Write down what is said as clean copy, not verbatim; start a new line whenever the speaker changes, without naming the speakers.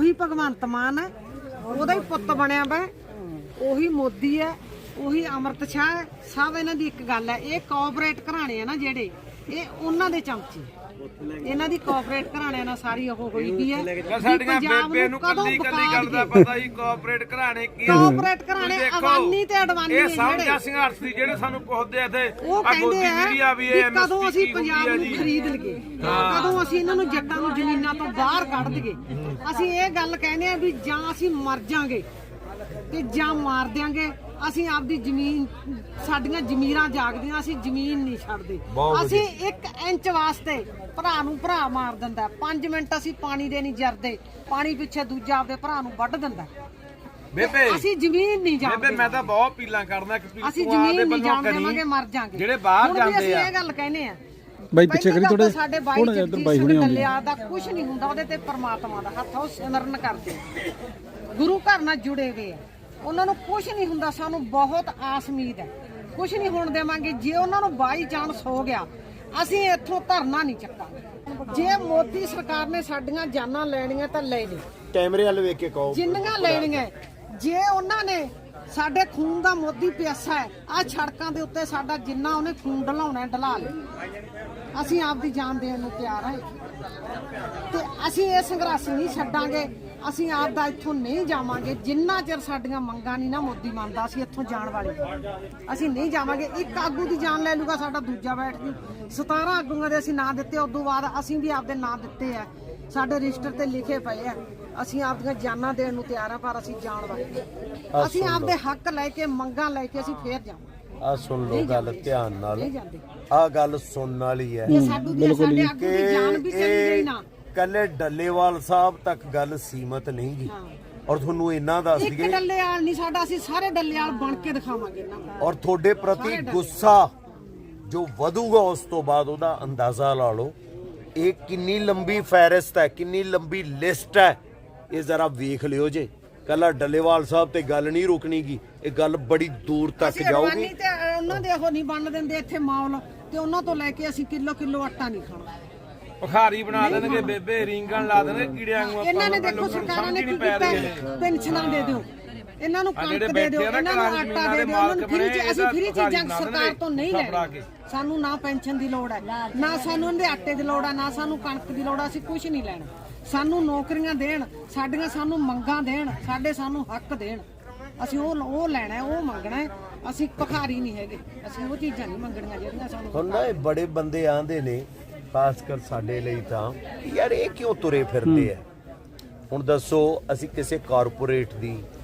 ਉਹੀ ਭਗਵੰਤ ਮਾਨ ਹੈ, ਉਹਦਾ ਹੀ ਪੁੱਤ ਬਣਿਆ ਵਾ, ਉਹੀ ਮੋਦੀ ਹੈ, ਉਹੀ ਅਮਰਤ ਸ਼ਾਹ ਹੈ। ਸਭ ਇਹਨਾਂ ਦੀ ਇੱਕ ਗੱਲ ਹੈ, ਇਹ ਕੋਆਪਰੇਟ ਘਰਾਣੇ ਆ ਨਾ ਜਿਹੜੇ, ਇਹ ਉਹਨਾਂ ਦੇ ਚਮਚੇ। ਇਹਨਾਂ ਦੀ ਕੋਆਪਰੇਟ ਘਰਾਣਿਆਂ ਨਾਲ ਸਾਰੀ ਉਹ ਹੋਈ ਵੀ ਹੈ।
ਸਾਡੀਆਂ ਬੇਬੇ ਨੂੰ ਕੱਲੀ ਗੱਲ ਦਾ ਪਤਾ ਹੀ ਕੋਆਪਰੇਟ ਘਰਾਣੇ ਕੀ ਆ।
ਕੋਆਪਰੇਟ ਘਰਾਣੇ ਅਵਾਨੀ ਤੇ ਅਡਵਾਨੀ
ਇਹ ਸਮਝਿਆ ਸੰਘਰਸ਼ ਦੀ ਜਿਹੜੇ ਸਾਨੂੰ ਪੁੱਛਦੇ ਇੱਥੇ
ਉਹ ਕਹਿੰਦੇ ਆ ਵੀ ਕਦੋਂ ਅਸੀਂ ਪੰਜਾਬ ਨੂੰ ਖਰੀਦ ਲਈਏ, ਕਦੋਂ ਅਸੀਂ ਇਹਨਾਂ ਨੂੰ ਜੱਟਾਂ ਨੂੰ ਜ਼ਮੀਨਾਂ ਤੋਂ ਬਾਹਰ ਕੱਢ ਦਈਏ। ਅਸੀਂ ਇਹ ਗੱਲ ਕਹਿੰਦੇ ਆ ਵੀ ਜਾਂ ਅਸੀਂ ਮਰ ਜਾਾਂਗੇ ਤੇ ਜਾਂ ਮਾਰ ਦਿਆਂਗੇ। ਅਸੀਂ ਆਪਦੀ ਜ਼ਮੀਨ, ਸਾਡੀਆਂ ਜ਼ਮੀਰਾਂ ਜਾਗਦੀਆਂ, ਅਸੀਂ ਜ਼ਮੀਨ ਨਹੀਂ ਛੱਡਦੇ। ਅਸੀਂ 1 ਇੰਚ ਵਾਸਤੇ ਭਰਾ ਨੂੰ ਭਰਾ ਮਾਰ ਦਿੰਦਾ, 5 ਮਿੰਟ ਅਸੀਂ ਪਾਣੀ ਦੇ ਨਹੀਂ ਜਰਦੇ, ਪਾਣੀ ਪਿੱਛੇ ਦੂਜਾ ਆਪਦੇ ਭਰਾ ਨੂੰ ਵੱਢ ਦਿੰਦਾ।
ਬੇਬੇ
ਅਸੀਂ ਜ਼ਮੀਨ ਨਹੀਂ ਜਾਣਦੇ।
ਬੇਬੇ ਮੈਂ ਤਾਂ ਬਹੁਤ ਪੀਲਾਂ ਕਰਦਾ ਕਿ
ਅਸੀਂ ਜ਼ਮੀਨ ਨਹੀਂ ਜਾਣਦੇ, ਮਰ ਜਾਾਂਗੇ।
ਜਿਹੜੇ ਬਾਹਰ ਜਾਂਦੇ ਆ,
ਅਸੀਂ ਇਹ ਗੱਲ ਕਹਿੰਦੇ ਆ
ਬਾਈ ਪਿੱਛੇ ਕਰੀ ਥੋੜੇ
ਸਾਡੇ ਬਾਈ ਹੁਣੇ ਦੱਲਿਆ ਦਾ ਕੁਝ ਨਹੀਂ ਹੁੰਦਾ, ਉਹਦੇ ਤੇ ਪਰਮਾਤਮਾ ਦਾ ਹੱਥ, ਉਹ ਸਿਮਰਨ ਕਰਦੇ, ਗੁਰੂ ਘਰ ਨਾਲ ਜੁੜੇ ਹੋਏ ਆ, ਉਹਨਾਂ ਨੂੰ ਕੁਝ ਨਹੀਂ ਹੁੰਦਾ। ਸਾਨੂੰ ਬਹੁਤ ਆਸ ਉਮੀਦ ਹੈ, ਕੁਝ ਨਹੀਂ ਹੋਣ ਦੇਵਾਂਗੇ। ਜੇ ਉਹਨਾਂ ਨੂੰ ਬਾਈ ਚਾਂਸ ਹੋ ਗਿਆ, ਅਸੀਂ ਇੱਥੋਂ ਧਰਨਾ ਨਹੀਂ ਚੱਕਾਂਗੇ। ਜੇ ਮੋਦੀ ਸਰਕਾਰ ਨੇ ਸਾਡੀਆਂ ਜਾਨਾਂ ਲੈਣੀਆਂ ਤਾਂ ਲੈ ਲਈ,
ਕੈਮਰੇ ਵੱਲ ਵੇਖ ਕੇ ਕਹੋ
ਜਿੰਨੀਆਂ ਲੈਣੀਆਂ। ਜੇ ਉਹਨਾਂ ਨੇ ਸਾਡੇ ਖੂਨ ਦਾ ਮੋਦੀ ਪਿਆਸਾ ਹੈ, ਆ ਸੜਕਾਂ ਦੇ ਉੱਤੇ ਸਾਡਾ ਜਿੰਨਾ ਉਹਨੇ ਖੂਨ ਢਲਾਉਣਾ ਢਲਾ ਲੈ, ਅਸੀਂ ਆਪਦੀ ਜਾਨ ਦੇਣ ਨੂੰ ਤਿਆਰ ਹਾਂ ਤੇ ਅਸੀਂ ਇਹ ਸੰਘਰਸ਼ ਨਹੀਂ ਛੱਡਾਂਗੇ। ਅਸੀਂ ਆਪ ਦਾ ਇੱਥੋਂ ਨਹੀਂ ਜਾਵਾਂਗੇ ਜਿੰਨਾ ਚਿਰ ਸਾਡੀਆਂ ਮੰਗਾਂ ਨਹੀਂ ਨਾ ਮੋਦੀ ਮੰਨਦਾ। ਅਸੀਂ ਇੱਥੋਂ ਜਾਣ ਵਾਲੇ ਅਸੀਂ ਨਹੀਂ ਜਾਵਾਂਗੇ। ਇੱਕ ਆਗੂ ਦੀ ਜਾਨ ਲੈ ਲੂਗਾ, ਸਾਡਾ ਦੂਜਾ ਬੈਠ ਜੂ। 17 ਆਗੂਆਂ ਦੇ ਅਸੀਂ ਨਾਂ ਦਿੱਤੇ, ਉਦੋਂ ਬਾਅਦ ਅਸੀਂ ਵੀ ਆਪਦੇ ਨਾਂ ਦਿੱਤੇ ਆ, ਸਾਡੇ ਰਜਿਸਟਰ ਤੇ ਲਿਖੇ ਪਏ ਆ। ਅਸੀਂ ਆਪਦੀਆਂ ਜਾਨਾਂ ਦੇਣ ਨੂੰ ਤਿਆਰ ਆ, ਪਰ ਅਸੀਂ ਜਾਣ ਵਾਲੇ, ਅਸੀਂ ਆਪਦੇ ਹੱਕ ਲੈ ਕੇ, ਮੰਗਾਂ ਲੈ ਕੇ ਅਸੀਂ ਫੇਰ ਜਾਵਾਂਗੇ।
ਆ ਸੁਣ ਲਓ ਗੱਲ ਧਿਆਨ ਨਾਲ, ਆ ਗੱਲ ਸੁਣਨ ਵਾਲੀ ਹੈ
ਕਿ
ਕੱਲੇ ਡੱਲੇਵਾਲ ਸਾਹਿਬ ਤੱਕ ਗੱਲ ਸੀਮਤ ਨਹੀਂ ਗੀ। ਔਰ ਤੁਹਾਨੂੰ ਇੰਨਾ ਦੱਸ ਦਈਏ,
ਇੱਕ ਡੱਲੇਵਾਲ ਨਹੀਂ ਸਾਡਾ, ਅਸੀਂ ਸਾਰੇ ਡੱਲੇਵਾਲ ਬਣ ਕੇ ਦਿਖਾਵਾਂਗੇ ਇਹਨਾਂ ਨੂੰ।
ਔਰ ਤੁਹਾਡੇ ਪ੍ਰਤੀ ਗੁੱਸਾ ਜੋ ਵਧੂਗਾ ਉਸ ਤੋਂ ਬਾਅਦ ਉਹਦਾ ਅੰਦਾਜ਼ਾ ਲਾ ਲਓ। ਇਹ ਕਿੰਨੀ ਲੰਬੀ ਫਹਿਰਿਸਤ ਹੈ, ਕਿੰਨੀ ਲੰਬੀ ਲਿਸਟ ਹੈ, ਇਹ ਜ਼ਰਾ ਵੇਖ ਲਿਓ ਜੇ। ਕੱਲਾ ਡੱਲੇਵਾਲ ਸਾਹਿਬ ਤੇ ਗੱਲ ਨਹੀਂ ਰੁਕਣੀ ਗੀ, ਇਹ ਗੱਲ ਬੜੀ ਦੂਰ ਤੱਕ ਜਾਊਗੀ।
ਤੇ ਉਹਨਾਂ ਦੇ ਉਹ ਨਹੀਂ ਬਣ ਦਿੰਦੇ ਇੱਥੇ ਮਾਹੌਲ, ਤੇ ਉਹਨਾਂ ਤੋਂ ਲੈ ਕੇ ਅਸੀਂ ਕਿਲੋ ਆਟਾ ਨਹੀਂ ਖਾਣਾ।
ਭਖਾਰੀ ਬਣਾ ਦੇਣਗੇ ਬੇਬੇ, ਰੀਂਗਣ ਲਾ ਦੇਣਗੇ ਕੀੜਿਆਂ ਨੂੰ।
ਇਹਨਾਂ ਨੇ ਦੇਖੋ ਸਰਕਾਰਾਂ ਨੇ ਕੀ ਕੀਤਾ, ਪੈਨਸ਼ਨਾਂ ਦੇ ਦਿਓ, ਇਹਨਾਂ ਨੂੰ ਕਣਕ ਦੇ ਦਿਓ, ਇਹਨਾਂ ਨੂੰ ਆਟਾ ਦੇ ਦਿਓ, ਉਹਨਾਂ ਨੂੰ ਫ੍ਰੀ ਚ। ਅਸੀਂ ਫ੍ਰੀ ਚੀਜ਼ਾਂ ਸਰਕਾਰ ਤੋਂ ਨਹੀਂ ਲੈਣੀ। ਸਾਨੂੰ ਨਾ ਪੈਨਸ਼ਨ ਦੀ ਲੋੜ ਹੈ, ਨਾ ਸਾਨੂੰ ਇਹਦੇ ਆਟੇ ਦੀ ਲੋੜ ਹੈ, ਨਾ ਸਾਨੂੰ ਕਣਕ ਦੀ ਲੋੜ ਹੈ। ਅਸੀਂ ਕੁਝ ਨਹੀਂ ਲੈਣਾ। ਸਾਨੂੰ ਨੌਕਰੀਆਂ ਦੇਣ, ਸਾਡੀਆਂ ਸਾਨੂੰ ਮੰਗਾਂ ਦੇਣ, ਸਾਨੂੰ ਹੱਕ ਦੇਣ। ਅਸੀਂ ਉਹ ਲੈਣਾ, ਉਹ ਮੰਗਣਾ। ਅਸੀਂ ਭਖਾਰੀ ਨਹੀਂ ਹੈਗੇ, ਅਸੀਂ ਉਹ ਚੀਜ਼ਾਂ ਨਹੀਂ ਮੰਗਣੀਆਂ ਜਿਹੜੀਆਂ ਸਾਨੂੰ।
ਹੁਣ ਨਾ ਇਹ ਬੜੇ ਬੰਦੇ ਆਂਦੇ ਨੇ, ਖਾਸ ਕਰ ਸਾਡੇ ਲਈ ਤਾਂ, ਯਾਰ ਇਹ ਕਿਉਂ ਤੁਰੇ ਫਿਰਦੇ ਆ। ਹੁਣ ਦੱਸੋ, ਅਸੀਂ ਕਿਸੇ ਕਾਰਪੋਰੇਟ ਦੀ